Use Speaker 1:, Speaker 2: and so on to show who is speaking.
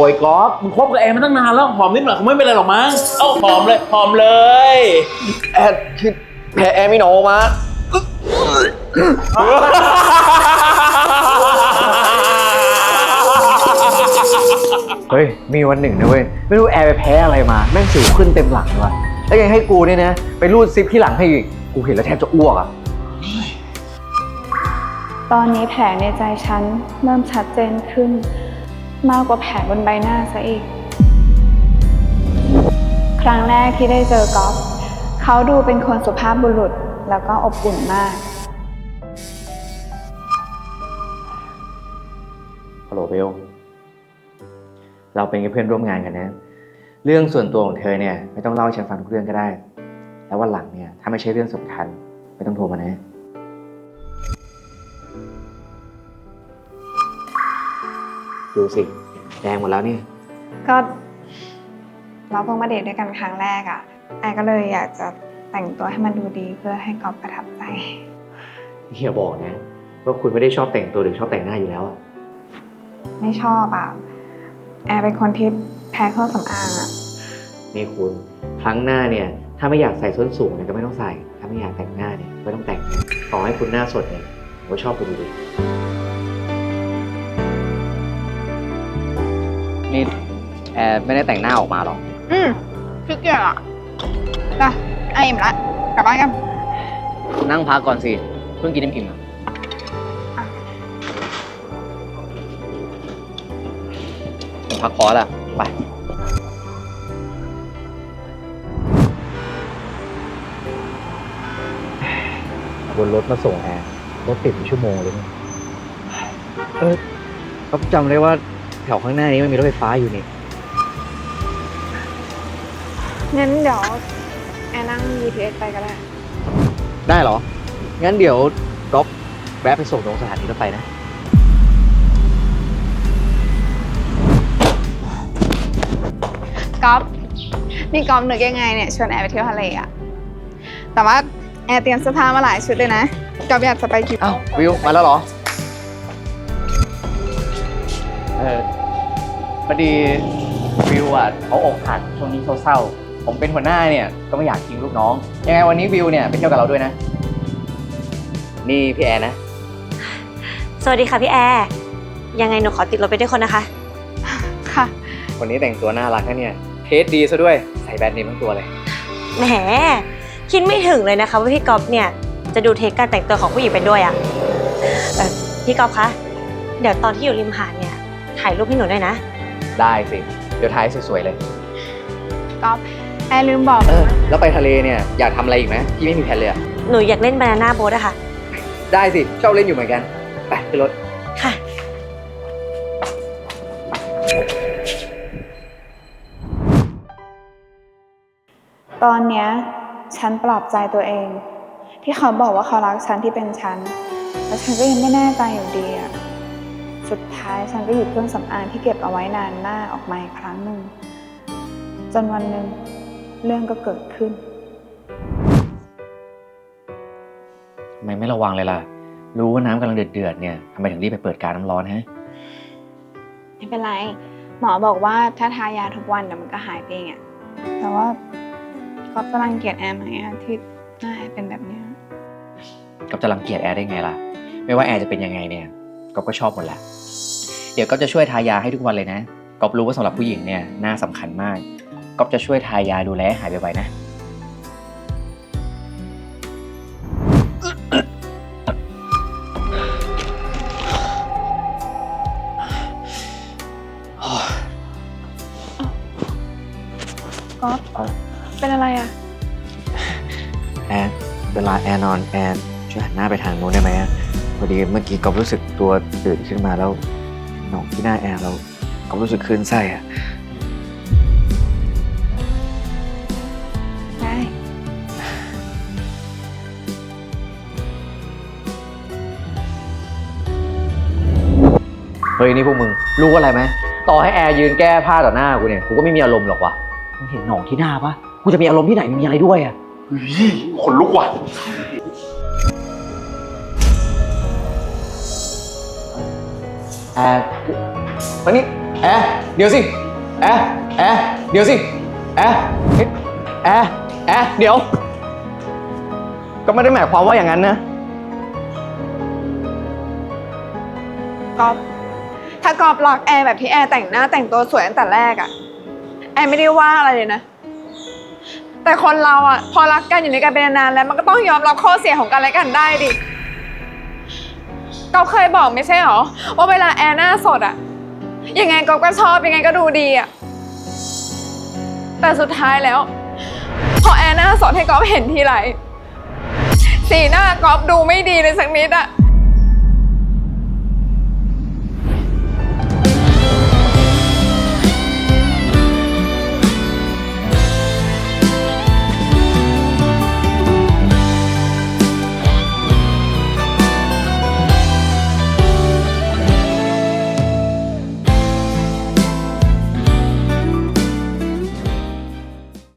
Speaker 1: ยก๊อฟมึงคบกับแอร์มาตั้งนานแล้วหอมนิดหน่อยคงไม่เป็นไรหรอกมั้งเอ้าหอมเลยหอมเลย
Speaker 2: แอร์คือแพ้แอร์ไม่หนอมาเฮ้ยมีวันหนึ่งนะเว้ยไม่รู้แอร์ไปแพ้อะไรมาแม่งสิวขึ้นเต็มหลังเลยวะแล้วยังให้กูเนี่ยนะไปรูดซิปที่หลังให้อีกกูเห็นแล้วแทบจะอ้วกอ่ะ
Speaker 3: ตอนนี้แผลในใจฉันเริ่มชัดเจนขึ้นมากกว่าแผลบนใบหน้าซะอีกครั้งแรกที่ได้เจอก๊อฟเขาดูเป็นคนสุภาพบุรุษแล้วก็อบอุ่นมาก
Speaker 2: ฮัลโหลเบลเราเป็นแค่เพื่อนร่วมงานกันนะเรื่องส่วนตัวของเธอเนี่ยไม่ต้องเล่าให้ฉันฟังทุกเรื่องก็ได้แล้ววันหลังเนี่ยถ้าไม่ใช่เรื่องสำคัญไม่ต้องโทรมานะดูสิแดงหมดแล้วนี่
Speaker 3: ก็เราเพิ่งมาเดทด้วยกันครั้งแรกอ่ะไอก็เลยอยากจะแต่งตัวให้มันดูดีเพื่อให้ก๊อฟประทับใจ
Speaker 2: เฮียบอกนะว่าคุณไม่ได้ชอบแต่งตัวหรือชอบแต่งหน้าอยู่แล้วอะ
Speaker 3: ไม่ชอบอ่ะแอร์เป็นคนที่แพ้เครื่องสำอางอ่ะ
Speaker 2: นี่คุณครั้งหน้าเนี่ยถ้าไม่อยากใส่ส้นสูงเนี่ยก็ไม่ต้องใส่ถ้าไม่อยากแต่งหน้าเนี่ยไม่ต้องแต่งต่อให้คุณหน้าสดเนี่ยผมก็ชอบคุณอยู่ดีนี่แอร์ไม่ได้แต่งหน้าออกมาหรอ
Speaker 3: ขี้เกียจอ่ะจ้ะไออิ่มละกลับบ้านกัน
Speaker 2: นั่งพักก่อนสิเพิ่งกินอิ่มผมพักคอร์สอะไปบนรถมาส่งแอร์รถติดเป็นชั่วโมงเลยเนี่ยก็จำได้ว่าแถวข้างหน้านี้มันมีรถไฟฟ้าอยู่นี่
Speaker 3: งั้นเดี๋ยวแอร์นั่ง BTS ไปก็ได้
Speaker 2: ได้เหรองั้นเดี๋ยวก๊อฟแวะไปส่งตรงสถานีรถไฟนะ
Speaker 3: ก๊อฟนี่ก๊อฟนึกยังไงเนี่ยชวนแอร์ไปเที่ยวทะเลอะแต่ว่าแอร์เตรียมเสื้อผ้ามาหลายชุดเลยนะก๊อฟอยากจะไปกี่
Speaker 2: อ้าววิวมาแล้วเหรอพอดีวิวอ่ะเขาอกหักช่วงนี้เศร้าๆผมเป็นหัวหน้าเนี่ยก็ไม่อยากทิ้งลูกน้องยังไงวันนี้วิวเนี่ยไปเที่ยวกับเราด้วยนะนี่พี่แอร์นะ
Speaker 4: สวัสดีค่ะพี่แอร์ยังไงหนูขอติดรถไปด้วยคนนะคะ
Speaker 3: ค่ะ
Speaker 2: คนนี้แต่งตัวน่ารักนะเนี่ยเทสดีซะด้วยใส่แบรนด์เนมทั้งตัวเลย
Speaker 4: แหมคิดไม่ถึงเลยนะคะว่าพี่ก๊อฟเนี่ยจะดูเทคการแต่งตัวของผู้หญิงไปด้วยอ่ะพี่ก๊อฟคะเดี๋ยวตอนที่อยู่ริมหาดเนี่ยถ่ายรูปให้หนูด้วยนะ
Speaker 2: ได้สิเดี๋ยวถ่ายสวยๆเลย
Speaker 3: ก๊อฟแอร์ลืมบอก
Speaker 2: แล้วไปทะเลเนี่ยอยากทำอะไรอีกไหมพี่ไม่มีแผนเลยอะ
Speaker 4: หนูอยากเล่นบานาน่าโบ๊ทอะค่ะ
Speaker 2: ได้สิชอบเล่นอยู่เหมือนกันไปขึ้นรถ
Speaker 4: ค่ะ
Speaker 3: ตอนเนี้ยฉันปลอบใจตัวเองที่เขาบอกว่าเขารักฉันที่เป็นฉันแต่ฉันก็ยังไม่แน่ใจอยู่ดีอะสุดท้ายฉันก็หยิบเครื่องสำอางที่เก็บเอาไว้นานมากออกมาอีกครั้งหนึ่งจนวันหนึ่งเรื่องก็เกิดขึ้น
Speaker 2: ทำไมไม่ระวังเลยล่ะรู้ว่าน้ำกำลังเดือดเนี่ยทำไมถึงรีบไปเปิดการน้ำร้อนฮะ
Speaker 3: ไม่เป็นไรหมอบอกว่าถ้าทายาทุกวันเดี๋ยวมันก็หายไปเองอะแต่ว่าก๊อฟจะรังเกียจแอร์ไหมที่หน้าแอร์เป็นแบบนี้
Speaker 2: ก๊อฟจะรังเกียจแอร์ได้ไงล่ะไม่ว่าแอร์จะเป็นยังไงเนี่ยก๊อฟก็ชอบหมดแหละเดี๋ยวก๊อฟจะช่วยทายาให้ทุกวันเลยนะก๊อฟรู้ว่าสำหรับผู้หญิงเนี่ยหน้าสำคัญมากก๊อฟจะช่วยทายาดูแลหายไวๆนะ
Speaker 3: ก๊อฟเป็นอะไรอะ
Speaker 2: แอร์เวลาแอร์นอนแอร์ช่วยหันหน้าไปทางโน้นได้ไหมพอดีเมื่อกี้ก๊อฟรู้สึกตัวตื่นขึ้นมาแล้วหนองที่หน้าแอร์เราก๊อฟรู้สึกคลื่นไส้อะ
Speaker 3: ได้
Speaker 2: เฮ้ยนี่พวกมึงรู้อะไรไหมต่อให้แอร์ยืนแก้ผ้าต่อหน้ากูเนี่ยกูก็ไม่มีอารมณ์หรอกว่ะมึงเห็นหนองที่หน้าปะกูจะมีอารมณ์ที่ไหนมีอะไรด้วยอะ
Speaker 1: ขนลุกว่ะ
Speaker 2: แอร์วันนี้แอแอร์เดี๋ยวสิแอร์เดี๋ยวสิแอร์เฮ้ยแอร์เดี๋ยว ก็ไม่ได้หมายความว่าอย่างนั้นนะ
Speaker 3: ก๊อฟถ้าก๊อฟรักแอร์แบบที่แอร์แต่งหน้าแต่งตัวสวยตั้งแต่แรกอะแอร์ไม่ได้ว่าอะไรเลยนะ แต่คนเราอะพอรักกันอยู่ในกันเป็นนานๆแล้วมันก็ต้องยอมรับข้อเสียของกันและกันได้ดิก๊อฟเคยบอกไม่ใช่หรอว่าเวลาแอร์หน้าสดอะยังไงก๊อฟก็ชอบยังไงก็ดูดีอะแต่สุดท้ายแล้วพอแอร์หน้าสดให้ก๊อฟเห็นทีไรสีหน้าก๊อฟดูไม่ดีเลยสักนิดอะ